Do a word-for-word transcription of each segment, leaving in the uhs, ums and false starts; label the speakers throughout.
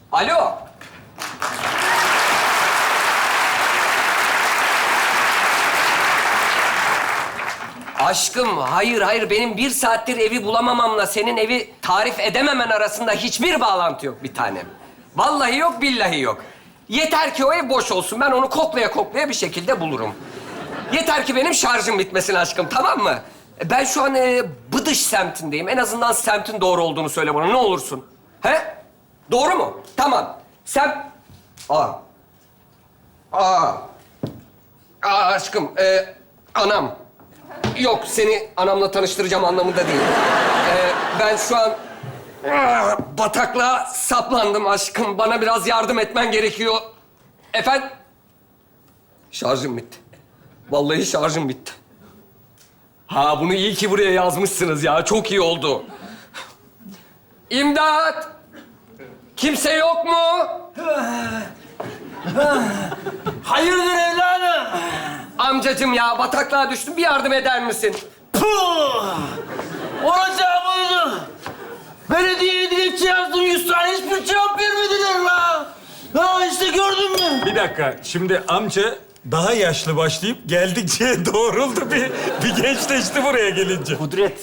Speaker 1: Alo. Aşkım, hayır hayır. Benim bir saattir evi bulamamamla senin evi tarif edememen arasında hiçbir bağlantı yok bir tanem. Vallahi yok, billahi yok. Yeter ki o ev boş olsun. Ben onu koklaya koklaya bir şekilde bulurum. Yeter ki benim şarjım bitmesin aşkım, tamam mı? Ben şu an e, Bıdış semtindeyim. En azından semtin doğru olduğunu söyle bana, ne olursun. He? Doğru mu? Tamam. Sen... Aa. Aa. Aa aşkım, e, anam. Yok, seni anamla tanıştıracağım anlamında değil. Ee, ben şu an ah, bataklığa saplandım aşkım. Bana biraz yardım etmen gerekiyor. Efendim? Şarjım bitti. Vallahi şarjım bitti. Ha, bunu iyi ki buraya yazmışsınız ya. Çok iyi oldu. İmdat! Kimse yok mu?
Speaker 2: Hayırdır evladım?
Speaker 1: Amcacığım ya, bataklığa düştüm. Bir yardım eder misin?
Speaker 2: Puh! Olacağı buydu. Belediyeye dilekçe yazdım, yüz tane hiçbir cevap vermediler la. Ha işte gördün mü?
Speaker 3: Bir dakika, şimdi amca daha yaşlı başlayıp geldikçe doğruldu. Bir, bir gençleşti buraya gelince.
Speaker 2: Kudret.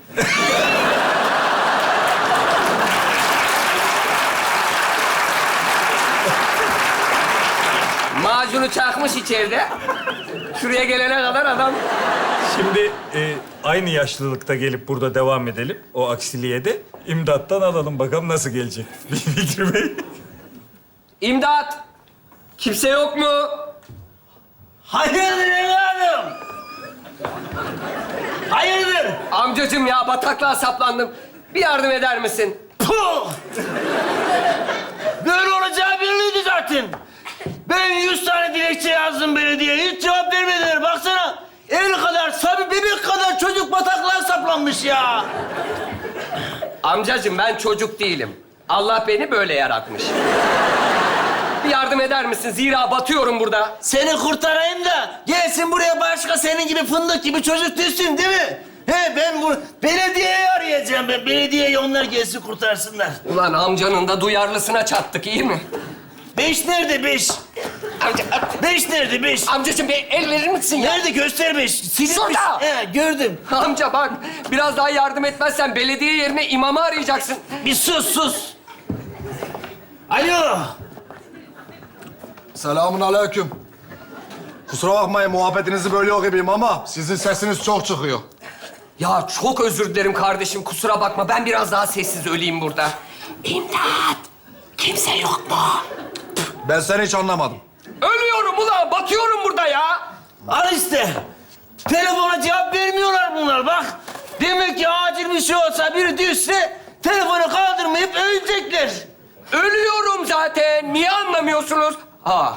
Speaker 1: Macunu çakmış içeride. Şuraya gelene kadar adam...
Speaker 3: Şimdi e, aynı yaşlılıkta gelip burada devam edelim. O aksiliğe de imdattan alalım bakalım nasıl gelecek. Fikri Bey.
Speaker 1: İmdat! Kimse yok mu?
Speaker 2: Hayırdır evladım? Hayırdır?
Speaker 1: Amcacığım ya, bataklığa saplandım. Bir yardım eder misin?
Speaker 2: Puh! Böyle olacağı belliydi zaten. Ben yüz tane dilekçe yazdım belediyeye, hiç cevap vermediler. Baksana, el kadar, sabi bebek kadar çocuk bataklığa saplanmış ya.
Speaker 1: Amcacığım, ben çocuk değilim. Allah beni böyle yaratmış. Bir yardım eder misin? Zira batıyorum burada.
Speaker 2: Seni kurtarayım da gelsin buraya başka senin gibi fındık gibi çocuk düşsün değil mi? He ben bu belediyeyi arayacağım ben. Belediyeye onlar gelsin kurtarsınlar.
Speaker 1: Ulan amcanın da duyarlısına çattık, iyi mi?
Speaker 2: Beş nerede beş?
Speaker 1: Amca,
Speaker 2: Beş nerede beş?
Speaker 1: amcacığım bir el verir misin ya?
Speaker 2: Nerede göster beş? Silinmiş.
Speaker 1: Şurada.
Speaker 2: He gördüm.
Speaker 1: Amca bak, biraz daha yardım etmezsen belediye yerine imamı arayacaksın.
Speaker 2: Bir sus sus. Alo.
Speaker 4: Selamun aleyküm. Kusura bakmayın muhabbetinizi bölüyor gibiyim ama sizin sesiniz çok çıkıyor.
Speaker 1: Ya çok özür dilerim kardeşim, kusura bakma. Ben biraz daha sessiz öleyim burada. İmdat! Kimse yok mu?
Speaker 4: Ben seni hiç anlamadım.
Speaker 1: Ölüyorum ulan, batıyorum burada ya.
Speaker 2: Al işte. Telefona cevap vermiyorlar bunlar bak. Demek ki acil bir şey olsa biri düşse telefonu kaldırmayıp ölecekler.
Speaker 1: Ölüyorum zaten. Niye anlamıyorsunuz? Ha.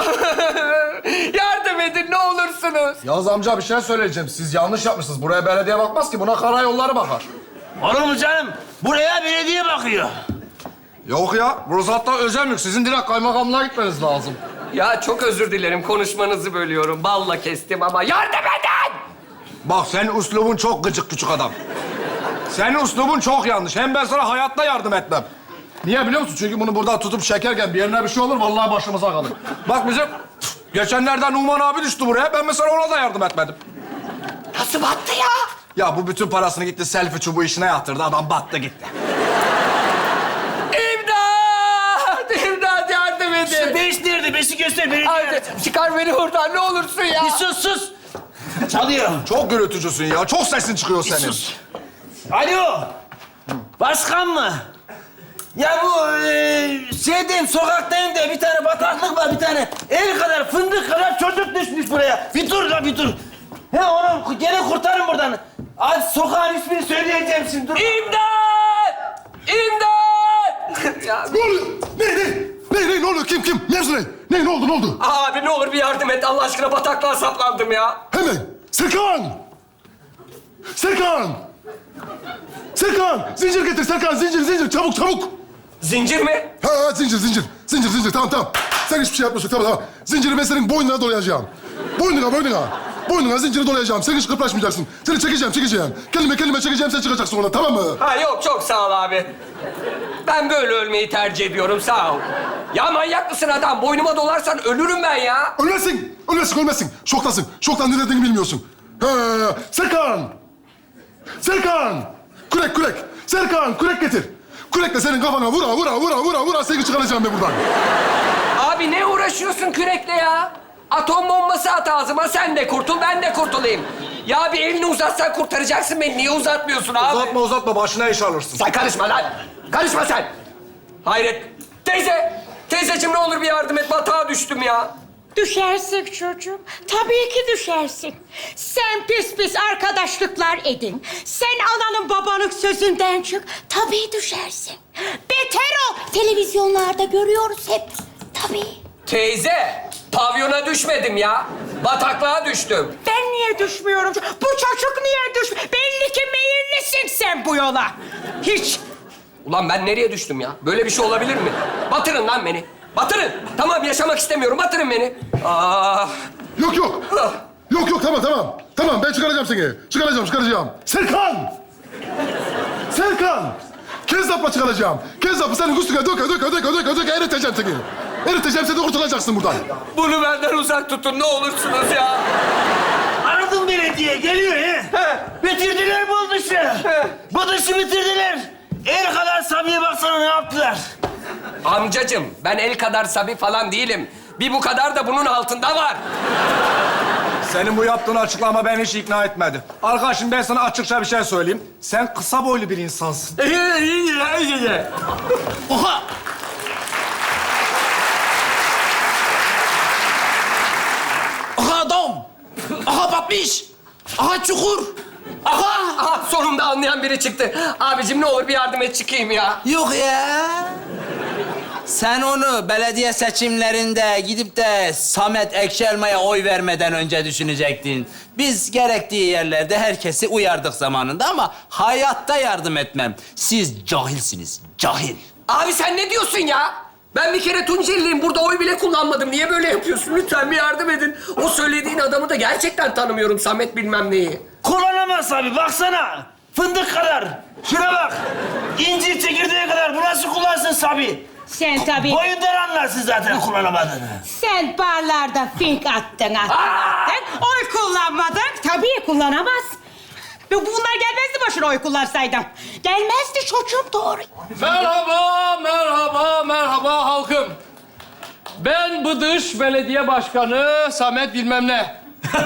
Speaker 1: Yardım edin ne olursunuz.
Speaker 4: Yavuz amca bir şey söyleyeceğim. Siz yanlış yapmışsınız. Buraya belediye bakmaz ki. Buna karayolları bakar.
Speaker 2: Olur mu canım? Buraya belediye bakıyor.
Speaker 4: Yok ya. Burası hatta özel mülk. Sizin direkt kaymakamlığa gitmeniz lazım.
Speaker 1: Ya çok özür dilerim, konuşmanızı bölüyorum. Balla kestim ama yardım edin!
Speaker 4: Bak senin üslubun çok gıcık küçük adam. Senin üslubun çok yanlış. Hem ben sana hayatta yardım etmem. Niye biliyor musun? Çünkü bunu burada tutup çekerken bir yerine bir şey olur, vallahi başımıza kalır. Bak bizim geçenlerden Numan abi düştü buraya. Ben mesela ona da yardım etmedim.
Speaker 1: Nasıl battı ya?
Speaker 4: Ya bu bütün parasını gitti selfie çubuğu işine yatırdı. Adam battı gitti.
Speaker 1: İmdat! İmdat yardım edin!
Speaker 2: Beş nerede? Beşi göster belediye.
Speaker 1: Hadi çıkar beni buradan ne olursun ya.
Speaker 2: Bir sus sus. Çalıyor.
Speaker 4: Çok gürültücüsün ya. Çok sesin çıkıyor
Speaker 2: Bir
Speaker 4: senin.
Speaker 2: sus. Alo. Başkan mı? Ya bu e, şeydeyim, sokaktayım da bir tane bataklık var, bir tane el kadar, fındık kadar çocuk düşmüş buraya. Bir dur la bir dur. He onu gene kurtarın buradan. Hadi sokağın ismini söyleyeceğim şimdi dur.
Speaker 1: İmdat! İmdat! ya,
Speaker 4: Ne oluyor? Ne, ne? Ne, ne, ne oluyor? Kim, kim? Mevzu ne? Ne, ne oldu, ne oldu?
Speaker 1: abi ne olur bir yardım et. Allah aşkına bataklığa saplandım ya.
Speaker 4: Hemen. Serkan! Serkan! Serkan! Zincir getir Serkan, zincir, zincir. Çabuk, çabuk.
Speaker 1: Zincir mi?
Speaker 4: Ha, ha, zincir, zincir. Zincir, zincir. Tamam, tamam. Sen hiçbir şey yapmıyorsun. Tamam, tamam. Zinciri ben senin boynuna dolayacağım. Boynuna, boynuna. Boynuna zinciri dolayacağım. Sen hiç kıpraşmayacaksın. Seni çekeceğim, çekeceğim. Kelime kelime çekeceğim, sen çıkacaksın ona. Tamam mı?
Speaker 1: Ha yok, çok sağ ol abi. Ben böyle ölmeyi tercih ediyorum, sağ ol. Ya manyak mısın adam? Boynuma dolarsan ölürüm ben ya.
Speaker 5: Ölmesin, ölmesin, ölmesin. Şoktasın. Şoktan ne dediğini bilmiyorsun. He, Serkan! Serkan! Kürek, kürek. Serkan, kürek getir. Kürekle senin kafana vura, vura, vura, vura, vura. Seni çıkaracağım ben buradan.
Speaker 1: Abi ne uğraşıyorsun kürekle ya? Atom bombası at ağzıma, sen de kurtul, ben de kurtulayım. Ya bir elini uzatsan kurtaracaksın beni. Niye uzatmıyorsun abi?
Speaker 4: Uzatma uzatma başına iş alırsın.
Speaker 1: Sen karışma lan. Karışma sen. Hayret. Teyze. Teyzeciğim ne olur bir yardım et. Batağa düştüm ya.
Speaker 6: Düşersin çocuğum. Tabii ki düşersin. Sen pis pis arkadaşlıklar edin. Sen ananın babanın sözünden çık. Tabii düşersin. Beter o. Televizyonlarda görüyoruz hep. Tabii.
Speaker 1: Teyze. Pavyona düşmedim ya. Bataklığa düştüm.
Speaker 6: Ben niye düşmüyorum? Bu çocuk niye düş? Belli ki meyillisin sen bu yola. Hiç.
Speaker 1: Ulan ben nereye düştüm ya? Böyle bir şey olabilir mi? Batırın lan beni. Batırın. Tamam yaşamak istemiyorum. Batırın beni. Ah.
Speaker 5: Yok, yok. Yok, yok. Tamam, tamam. Tamam, ben çıkaracağım seni. Çıkaracağım, çıkaracağım. Serkan! Serkan! Kezzapla çıkaracağım. Kezzapı senin üstüne döke, döke, döke, döke, döke. Eriteceğim seni. Eriteceğim, sen de kurtulacaksın buradan.
Speaker 1: Bunu benden uzak tutun ne olursunuz ya.
Speaker 2: Aradım belediye, geliyor he. Bitirdiler bu dışı. Bu dışı bitirdiler. El kadar Sabi'ye baksana ne yaptılar.
Speaker 1: Amcacığım ben el kadar sabi falan değilim. Bir bu kadar da bunun altında var.
Speaker 4: Senin bu yaptığın açıklama beni hiç ikna etmedi. Arkadaşım ben sana açıkça bir şey söyleyeyim. Sen kısa boylu bir insansın.
Speaker 2: Oha! Aha adam! Aha batmış! Aha çukur! Aha!
Speaker 1: Aha sonunda anlayan biri çıktı. Abicim ne olur bir yardım et çıkayım ya.
Speaker 7: Yok ya. Sen onu belediye seçimlerinde gidip de Samet Ekşelma'ya oy vermeden önce düşünecektin. Biz gerektiği yerlerde herkesi uyardık zamanında ama hayatta yardım etmem. Siz cahilsiniz, cahil.
Speaker 1: Abi sen ne diyorsun ya? Ben bir kere Tunceliliyim. Burada oy bile kullanmadım. Niye böyle yapıyorsun? Lütfen bir yardım edin. O söylediğin adamı da gerçekten tanımıyorum. Samet bilmem neyi.
Speaker 2: Kullanamaz abi, baksana. Fındık kadar. Şuna bak. İncir çekirdeği kadar. Bu nasıl kullansın Sabi?
Speaker 6: Sen tabii.
Speaker 2: Boyundan anlarsın zaten kullanamadığını.
Speaker 6: Sen barlarda fink attın, attın, attın. Oy kullanmadın. Tabii kullanamaz. Ve bunlar gelmezdi başına oy kullansaydın. Gelmezdi çocuğum doğru.
Speaker 8: Merhaba, merhaba, merhaba halkım. Ben Bıdış Belediye Başkanı Samet bilmem ne.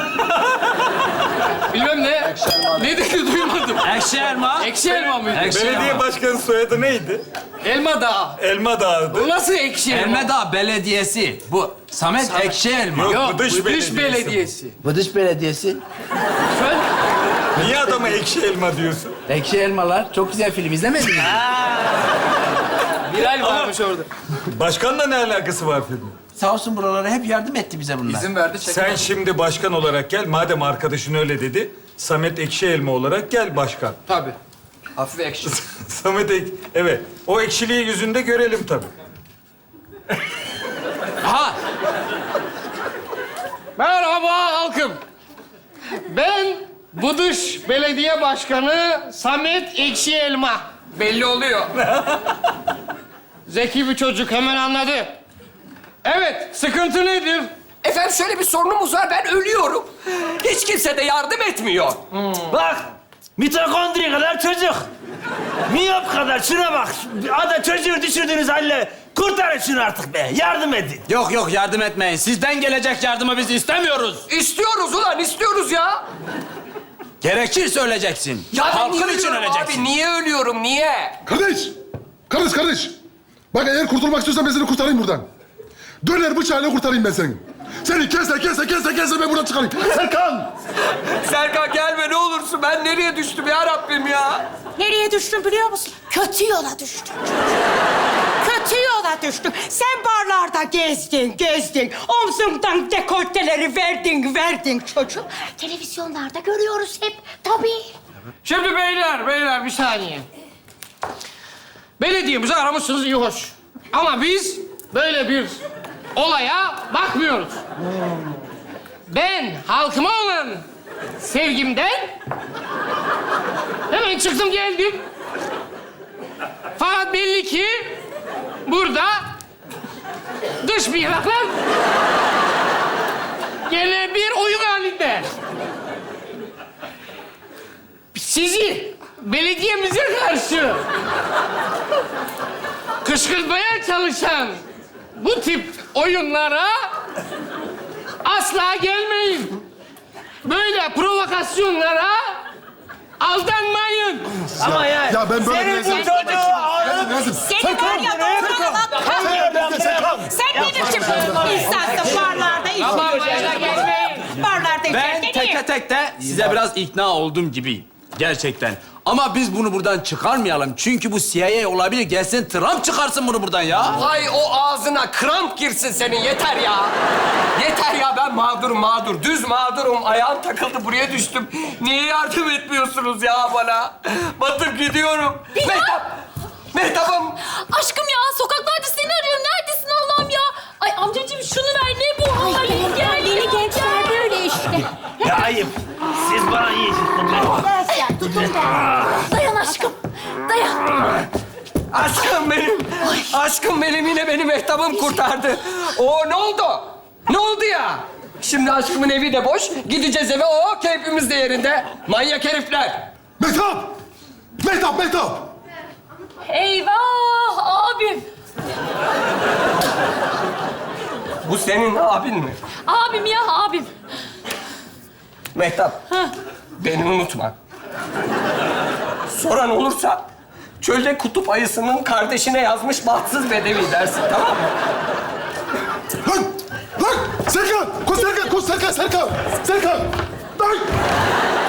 Speaker 8: bilmem ne. Ne dedi duymadım.
Speaker 7: Ekşi elma.
Speaker 8: Ekşi elma mıydı?
Speaker 3: Belediye başkanı soyadı neydi?
Speaker 8: Elma Dağı.
Speaker 3: Elma Dağı'dı.
Speaker 8: Bu nasıl ekşi elma?
Speaker 7: Elmedağ Belediyesi. Bu Samet, Ekşi Elma.
Speaker 3: Yok,
Speaker 8: Yok,
Speaker 3: Bıdış
Speaker 8: Bıdış
Speaker 3: Belediyesi.
Speaker 8: Belediyesi.
Speaker 7: Bıdış Belediyesi.
Speaker 8: Sen
Speaker 3: Niye adama ekşi elma diyorsun?
Speaker 7: Ekşi Elmalar. Çok güzel film izlemedin mi?
Speaker 8: Bilal varmış orada.
Speaker 3: Başkanla ne alakası var filmin?
Speaker 7: Sağ olsun buralara hep yardım etti bize bunlar.
Speaker 8: İzin verdi çekim.
Speaker 3: Sen şimdi başkan olarak gel. Madem arkadaşın öyle dedi. Samet Ekşi Elma olarak gel başkan.
Speaker 8: Tabii. Hafif ekşi.
Speaker 3: Samet Ek... Evet. O ekşiliği yüzünde görelim tabii.
Speaker 7: Aha!
Speaker 8: Merhaba halkım. Ben Bıdış Belediye Başkanı Samet Ekşi Elma.
Speaker 1: Belli oluyor.
Speaker 8: Zeki bir çocuk hemen anladı. Evet, sıkıntı nedir?
Speaker 1: Efendim şöyle bir sorunumuz var. Ben ölüyorum. Hiç kimse de yardım etmiyor.
Speaker 2: Bak, mitokondri kadar çocuk. Miyop kadar şuna bak. Ada çocuğu düşürdüğünüz halle. Kurtarın şunu artık be, yardım edin.
Speaker 7: Yok yok yardım etmeyin. Sizden gelecek yardımı biz istemiyoruz.
Speaker 1: İstiyoruz ulan, istiyoruz ya.
Speaker 7: Gerekirse öleceksin.
Speaker 1: Ya ben
Speaker 7: Halkın
Speaker 1: niye
Speaker 7: için
Speaker 1: ölüyorum
Speaker 7: öleceksin.
Speaker 1: abi? Niye ölüyorum? Niye?
Speaker 5: Kardeş! Kardeş, kardeş! Bak eğer kurtulmak istiyorsan ben seni kurtarayım buradan. Döner bıçağıyla kurtarayım ben seni. Seni kese, kese, kese, kese ben buradan çıkarayım. Serkan!
Speaker 1: Serkan gelme ne olursun. Ben nereye düştüm ya Rabbim ya?
Speaker 6: Nereye düştün biliyor musun? Kötü yola düştün. Kötü yola düştün. Sen barlarda gezdin, gezdin. Omzundan dekolteleri verdin, verdin çocuğum. Televizyonlarda görüyoruz hep. Tabii.
Speaker 8: Şimdi beyler, beyler bir saniye. Belediyemizi aramışsınız iyi hoş. Ama biz böyle bir olaya bakmıyoruz. Ben halkıma olan sevgimden hemen çıktım geldim. Fakat belli ki burada dış mihraklar gene bir oyun halinde. Sizi belediyemize karşı kışkırtmaya çalışan bu tip oyunlara asla gelmeyin. Böyle provokasyonlara aldanmayın.
Speaker 2: Ama ya,
Speaker 5: Ya ben böyle
Speaker 2: senin
Speaker 5: bir
Speaker 2: bu
Speaker 5: rezil-
Speaker 2: çocuğu ağzını...
Speaker 5: Nezim,
Speaker 6: Seni var ya doğruna bak. Sen ne biçim insansın barlarda
Speaker 8: Ama
Speaker 6: içiyorsun?
Speaker 8: böyle gelmeyin.
Speaker 6: Barlarda
Speaker 7: Ben
Speaker 6: içerken niye?
Speaker 7: teke tek de size biraz ikna oldum gibi. Gerçekten. Ama biz bunu buradan çıkarmayalım. Çünkü bu C I A olabilir. Gelsin Trump çıkarsın bunu buradan ya.
Speaker 1: Ay o ağzına kramp girsin senin yeter ya. Yeter ya ben mağdurum mağdur. Düz mağdurum. Ayağım takıldı buraya düştüm. Niye yardım etmiyorsunuz ya bana? Batıp gidiyorum. Mehtap! Mehtap'ım!
Speaker 9: Aşkım ya sokaklarda seni arıyorum. Neredesin Allah'ım ya? Ay amcacığım şunu ver. Ne bu hali? Gel.
Speaker 6: Yeni gençler böyle işte.
Speaker 2: Ya ayıp. Siz bana iyi çıktınız.
Speaker 6: Dersen tutun da.
Speaker 9: Dayan aşkım. Dayan.
Speaker 1: Aşkım benim. Aşkım benim yine beni Mehtap'ım kurtardı. O ne oldu? Ne oldu ya? Şimdi aşkımın evi de boş. Gideceğiz eve. O keyfimiz de yerinde. Manyak herifler.
Speaker 5: Mehtap! Mehtap, Mehtap!
Speaker 9: Eyvah abim.
Speaker 1: Bu senin abin mi?
Speaker 9: Abim ya abim.
Speaker 1: Mehtap. Beni unutma. Soran olursa çölde kutup ayısının kardeşine yazmış bahtsız bedevi dersin, tamam mı?
Speaker 5: Lan! Lan! Serkan! Koş Serkan! Koş Serkan! Serkan! Serkan! Lan!